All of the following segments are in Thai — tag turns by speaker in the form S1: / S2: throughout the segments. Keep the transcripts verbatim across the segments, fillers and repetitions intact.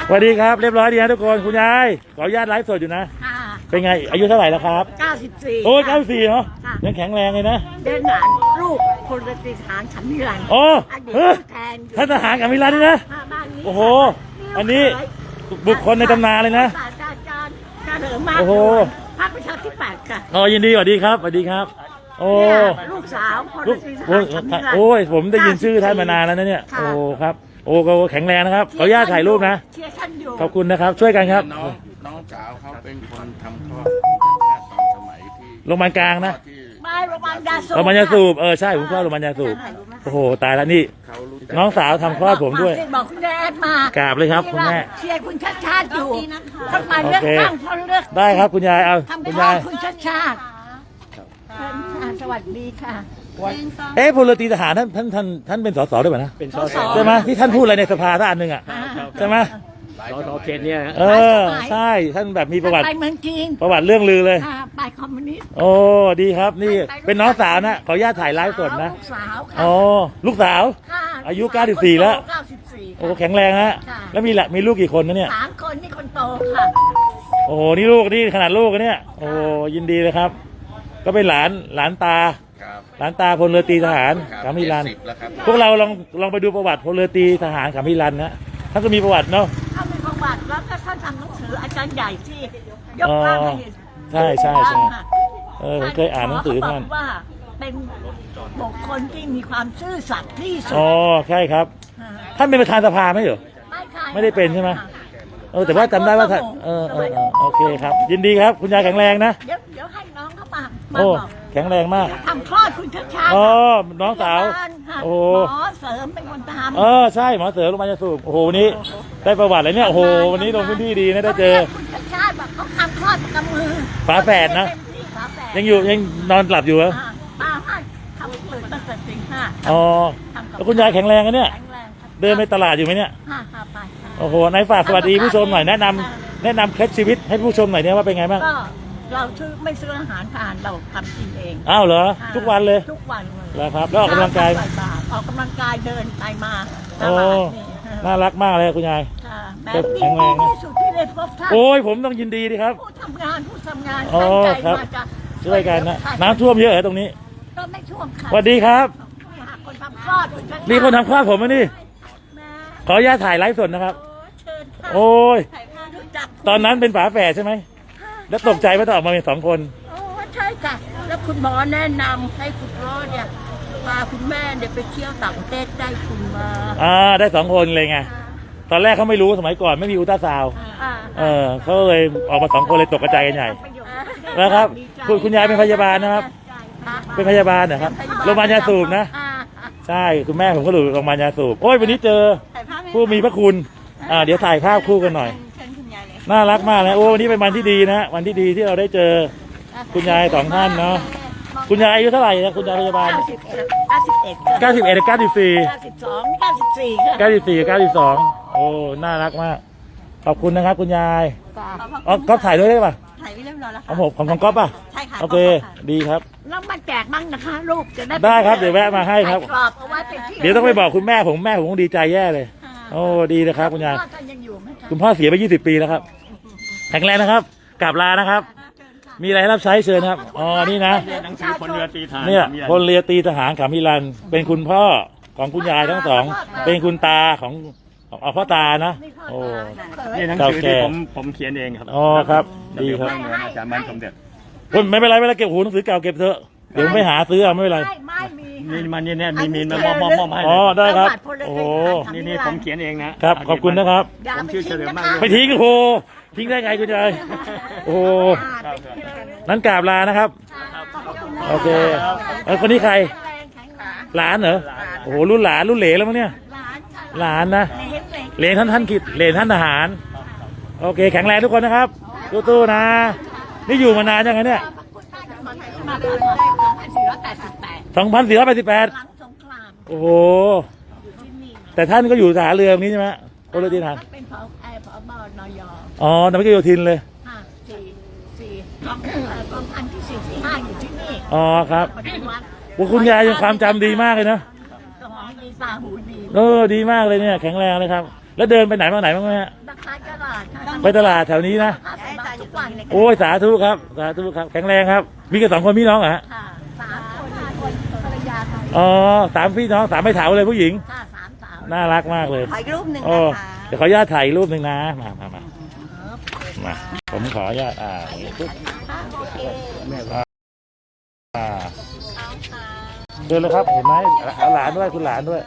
S1: สวัสดีครับเรียบร้อยดีนะทุกคนคุณยายขออนุญาตไลฟ์สดอยู่นะเป็นไงอายุเท่าไหร่แล้วครับ
S2: เก้าสิบสี่
S1: โอ้ยเก้าสิบสี่เหรอยังแข็งแรงเลยนะ
S2: เดินหลานลูกพลตรีทหารขันมิรัน
S1: โอ้
S2: เฮ้ย
S1: ท่านทหารขันมิรันนี่นะโอ้โหอันนี้บุคคลในตำนานเลยนะโอ้โห
S2: พรรคประชาธิปัตย์ค่ะ
S1: อ๋อยินดีสวัสดีครับสวัสดีครับโอ้
S2: ลูกสาวพลตรีทหารขันมิรัน
S1: โอ้ยผมได้ยินชื่อท่านมานานแล้วนะเนี่ยโอ้ครับโอ้ก็แข็งแรงนะครับขออนุญาตถ่ายรูปนะขอบคุณนะครับช่วยกันครับ
S3: น้องน้องสาวเขาเป็นคนทำคลอดตอนสมัยที่
S1: โรงพยาบาลกลางนะ
S2: ไม่โรงพยาบาลยาสูบ
S1: โรงพยาบาลยาสูบเออใช่ผมคลอดโรงพยาบาลยาสูบโอ้โหตายแล้วนี่น้องสาวทำคลอดผมด้วย
S2: บอกคุณแม่มาก
S1: ราบเลยครับคุณแม่
S2: เชียร์คุณชาติชาติอยู่ทำไมเลือกตั้งเพราะเลือก
S1: ได้ครับคุณยายเอาคุณยาย
S2: คุณชาติชาติสวัสดีค่ะ
S1: เอ๊ะพลตรีทหารท่านท่านท่านท่านเป็นสสด้วยป่ะนะ
S2: เป็นสส
S1: ใช่ไหมที่ท่านพูดอะไรในสภาท่านอันหนึ่งอ่ะใช่ไหม
S3: สสเขตเนี่ย
S1: เออใช่ท่านแบบมีประวัติ
S2: ไปเมืองจีน
S1: ประวัติเรื่องลือเลย
S2: ไปคอมมิวนิสต์
S1: โอ้ดีครับนี่เป็นน้องสาวนะขออนุญาตถ่ายไลฟ์สดนะ
S2: ลูกสาว
S1: อ๋อลูกสาวอายุเก้าสิบสี่แล้วโอ้แข็งแรงฮะแล้วมีละมีลูกกี่คนนะเนี่ย
S2: สามคนนี่คนโตค่ะ
S1: โอ้โหนี่ลูกนี่ขนาดลูกเนี่ยโอ้ยินดีเลยครับ ก็เป็นหลานหลานตาหลานตาพลเรือตีทหารขัมพิรันพวกเราลองลองไปดูประวัติพลเรือตีทหารขัมพิรันนะท่านก็มีประวัติเนาะ
S2: ท่านมีประวัติแล้วก็ท่านทำหนังสืออาจารย์ใหญ่ที่ยกร่างให้
S1: ใช่ใช่ใช่เออผมเคยอ่านหนังสือท่าน
S2: ว่าเป็นบุคคลที่มีความซื่อสัตย์ที่สุด
S1: อ๋อใช่ครับท่านเป็นประธานสภาไหมเหรอไม่ได้เป็นใช่ไหมเออแต่ว่าจำได้ว่าท่านเออเออโอเคครับยินดีครับคุณยายแข็งแรงนะ
S2: เดี๋ยวเดี๋ยวให้น้องเข้ามา
S1: โอ้แข็งแรงมาก
S2: ทำคลอดคุณชัดชัด
S1: อ๋อน้องสาวโอ้
S2: หมอเสริมเป็นคนทำ
S1: เออใช่หมอเสริมโรงพยาบาลยาสูบโอ้โหนี้ได้ประวัติอะไรเนี่ยโอ้โหวันนี้ลงพื้นที่ดีนะได้เจอ
S2: คุณชัดชัดแบบเขาทำคลอดกับมือ
S1: ฝาแฝดนะยังอยู่ยังนอนหลับอยู่เหรอ
S2: ป้าให้ทำตื่นตั้งแต่ตีห้า
S1: อ๋อแล้วคุณยายแข็งแรงกันเนี่ยเดินไปตลาดอยู่ไหมเนี่ยโอ้โหนายฝากสวัสดีผู้ชมหน่อยแนะนำแนะนำเคล็ดชีวิตให้ผู้ชมหน่อยเนี่ยว่าเป็นไงบ้าง
S2: ก็เราซื้อไม่ซื้ออาหารทานเราทำกินเอง
S1: อ้าวเหรอทุกวันเลย
S2: ทุกวันเลย
S1: แล้วครับแล้วออกกำลังกาย
S2: ออกกำลังกายเดินไปมา
S1: โอ้น่ารักมากเลยคุณยาย
S2: แบบแข็งแรงที่สุดที่ได้พบท่าน
S1: โอ้ยผมต้องยินดีดีครับ
S2: ผู้ทำงานผู้ทำงาน
S1: ตั้งใจมาจะช่วยกันนะน้ำท่วมเยอะเหรอตรงนี้
S2: ก็ไม่ท่วมค่ะ
S1: สวัสดีครับ
S2: คนทำคลอด
S1: นี่คนทำคลอดผมนะนี่ขออนุญาตถ่ายไลฟ์สดนะครับโอ้ยตอนนั้นเป็นฝาแฝดใช่ไหมแล้วตกใจว่าต้องออกมาเป็นสองคน
S2: โอ้ใช่ค่ะแล้วคุณหมอแนะนำให้คุณพ่อเนี่ยพาคุณแม่เนี่ยไปเที่ยวต่างประเทศได้คุณมา
S1: อ่าได้สองคนเลยไงตอนแรกเขาไม่รู้สมัยก่อนไม่มีอุลตราซาวด์เออเขาเลยออกมาสองคนเลยตกกระจายกันใหญ่นะครับคุณคุณยายเป็นพยาบาลนะครับเป็นพยาบาลนะครับโรงพยาบาลยาสูบนะใช่คุณแม่ผมก็อยู่โรงพยาบาลยาสูบโอ้ยวันนี้เจอผู้มีพระคุณอ่าเดี๋ยวถ่ายภาพคู่กันหน่อยน่ารักมากเลยโอ้วันนี้เป็นวันที่ดีนะวันที่ดีที่เราได้เจอคุณยายสองท่านเนาะคุณยายอายุเท่าไหร่นะคุณยายพยาบาล
S2: เก้าสิบเอ็ดเก้าสิบเอ็ด
S1: เก้าสิบเอ็ดเก้าสิบสี่
S2: เก้าสิบสองเก้าสิบสี่
S1: เก้าสิบสี่เก้าสิบสองโอ้น่ารักมากขอบคุณนะครับคุณยายอ๋อก๊อฟถ่ายด้วยได้ป่ะ
S2: ถ่ายไว้เรียบร้อยแล้ว
S1: ค่ะของผมของของก๊อฟป่ะ
S2: ใช่ค่ะ
S1: โอเคดีครับ
S2: แล้วมาแจกมั่งนะคะลูกจะได้
S1: ได้ครับเดี๋ยวแวะมาให้ครับเดี๋ยวต้องไปบอกคุณแม่ผมแม่ผมคงดีใจแย่เลยโอ้ดีนะครับคุณยายคุณพ่อเสียไปยี่สิบปีแล้วครับแข็งแรงนะครับกลับลานะครับมีอะไรรับใช้เชิญครับอ๋อนี่นะ
S3: หนังสือพลเรือตีทหาร
S1: เนี่ยพลเรือตีทหารขัมพิรันเป็นคุณพ่อของคุณยายทั้งสองเป็นคุณตาของของพ่อตานะโอ้
S3: นี่หนังสือที่ผมผมเขียนเองครับ
S1: อ๋อครับดีครับ
S3: อาจารย์มันสมเด็จ
S1: คุณไม่เป็นไรไม่เป็นไรเก็บหูหนังสือเก่าเก็บเถอะเดี๋ยวไม่หาซื้อเอาไม่เป็นไร
S3: มีมันนี่เนี่ยมีมีมามอมมอมให้
S1: อ๋อได้ครับโอ้
S3: นี่นี่ผมเขียนเองนะครับ
S1: ขอบคุณนะครับ
S3: ผมชื่อเฉลิมมาก
S1: ไม่ทิ้งโอ้โหทิ้งได้ไงคุณยายโอ้นั้นกราบลานะครับโอเคเออคนนี้ใครหลานเหรอโอ้โหรุ่นหลานรุ่นเหลนแล้วมั้งเนี่ยหลานนะเหลนท่านท่านกิจเหลนท่านทหารโอเคแข็งแรงทุกคนนะครับตู้ๆนะนี่อยู่มานานยังไงเนี่ยสองพันสี่ร้อยแปดสิบแปดโอ้โหแต่ท่านก็อยู่ทหารเรือนี้ใช่ไหมพลเรือตีทหาร
S2: เป็นผอผบนย
S1: อ๋อแต่ไม่ใช่โยธินเลย
S2: สี่สี่กองพันที่สี่สี่ห้าอยู่ที่นี่
S1: อ๋อครับว่าคุณยายยังความจำดีมากเลยนะ
S2: สมองดีตาหูดี
S1: เออดีมากเลยเนี่ยแข็งแรงเลยครับแล้วเดินไปไหนมาไหนบ้างไหมฮะ
S2: ขไปตลาดค่ะ
S1: ไปตลาดแถวนี้นะ
S2: ค่ะใส่บาตรทุกวันเลย
S1: โอ้ยสาธุครับสาธุครับแข็งแรงครับ มีกันสองคนพี่น้องเหรอฮะ
S2: ค่ะสามคนห้าคนภรรยาค่ะ
S1: อ๋อสามพี่น้องสามไม่ถาวเลยผู้หญิง
S2: ค่ะสามสาว
S1: น่ารักมากเลย
S2: ถ่ายรูปหนึ่ง
S1: โอ้
S2: นะคะ
S1: เดี๋ยวขออนุญาตถ่ายรูปหนึ่งนะมามามามาผมขออนุญาตอ่าอย่างนี้ปุ๊บ
S2: ค่ะโอเค
S1: อ่าเดินเลยครับเห็นไหมเอาหลานด้วยคุณหลานด้วย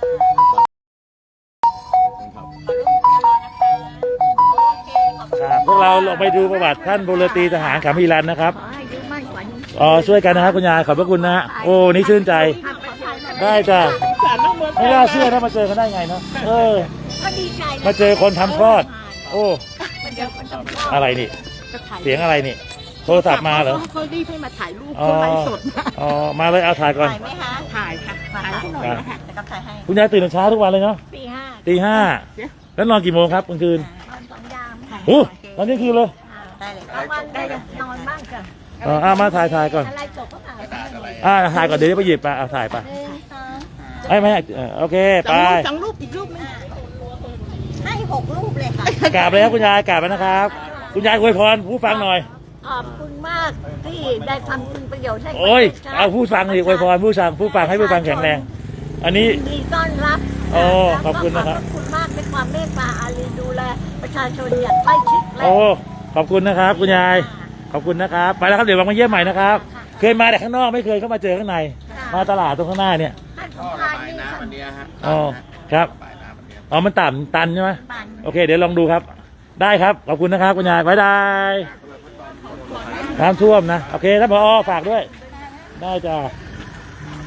S1: ครับพวกเราลองไปดูประวัติท่านพลตรีทหารขามีรันนะครับ
S2: ขอให้อายุมั่นขวัญยืน
S1: อ๋อช่วยกันนะครับคุณยายขอบพระคุณนะฮะโอ้นี่ชื่นใจ ได้จ้ะไม่น่าเชื่อนะมาเจอกันได้ไงเนาะเออ
S2: ก็ดีใจนะ
S1: มาเจอคนทำคลอด โอ้
S2: เดี๋ยวคนทำคลอด
S1: อะไรนี่
S2: จะถ่าย
S1: เสียงอะไรนี่ โทรศัพท์มาเหรอ
S2: เขารีบให้มาถ่ายรูป
S1: อ๋อ
S2: เขาไลฟ์สดนะ
S1: อ๋อมาเลยเอาถ่ายก่อน
S2: ถ่ายไหมคะถ่ายค่ะถ่ายให้หน่อยนะคะจะก็ถ่ายให้
S1: คุณยายตื่นแต่เช้าทุกวันเลยเนาะ
S2: ปีห้า
S1: ตีห้าแล้วนอนกี่โมงครับกลางคืน
S2: นอนสองยามค่ะ
S1: โอ้ตอนนี้คืนเลย
S2: ได้เลยกลางวันได้เลยนอนบ้างจ้ะ
S1: อ๋ออ่ะมาถ่ายถ่ายก่อน
S2: อะไรจบก็ถ่ายหนึ่ง
S1: อ่าถ่ายก่อนเดี๋ยวจะไปหยิบไปเอาถ่ายไป
S2: สอง
S1: ไอ้ไม่ให้เออโอเคไป
S2: สองรูปอีกรูปนึงให้หกรูปเลยค่ะ
S1: กราบเลยครับคุณยายกราบแล้วนะครับ คุณยายอวยพรผู้ฟังหน่อย
S2: ขอบคุณมากที่ได้ทำคุณประโยชน์ให้
S1: โอ้ยเอาผู้ฟังดิอวยพรผู้ฟังผู้ฟังให้ผู้ฟังแข็งแรง อันนี้
S2: ยินดีต้อนรับ
S1: โอ้ขอบคุณนะครับ
S2: ขอบคุณมากในความเมตตาอารีดูแลประชาชนอย่างใกล้ชิดและ
S1: โอ้ขอบคุณนะครับ คุณยายขอบคุณนะครับไปแล้วครับเดี๋ยวมาเยี่ยมใหม่นะครับ เคยมาแต่ข้างนอกไม่เคยเข้ามาเจอข้างใน มาตลาดตรงข้างหน้าเนี่ย
S2: ท่านส
S3: ก็
S2: ม
S3: ระ
S2: ภาร
S3: บาย
S2: นี่
S3: น้ำ
S2: ท่า
S3: วัน นเนี้ยฮะ
S1: อ๋อครับ
S3: ระบายน้ำวันเนี้ย
S1: อ๋อมันต่ำตันใช่ไหม
S2: ปัน
S1: โอเค เดี๋ยวลองดูครับ ได้ครับขอบคุณนะครับคุณยายบ๊ายบายน้ำท่วมนะโอเคท่านผอฝากด้วย ได้จ้า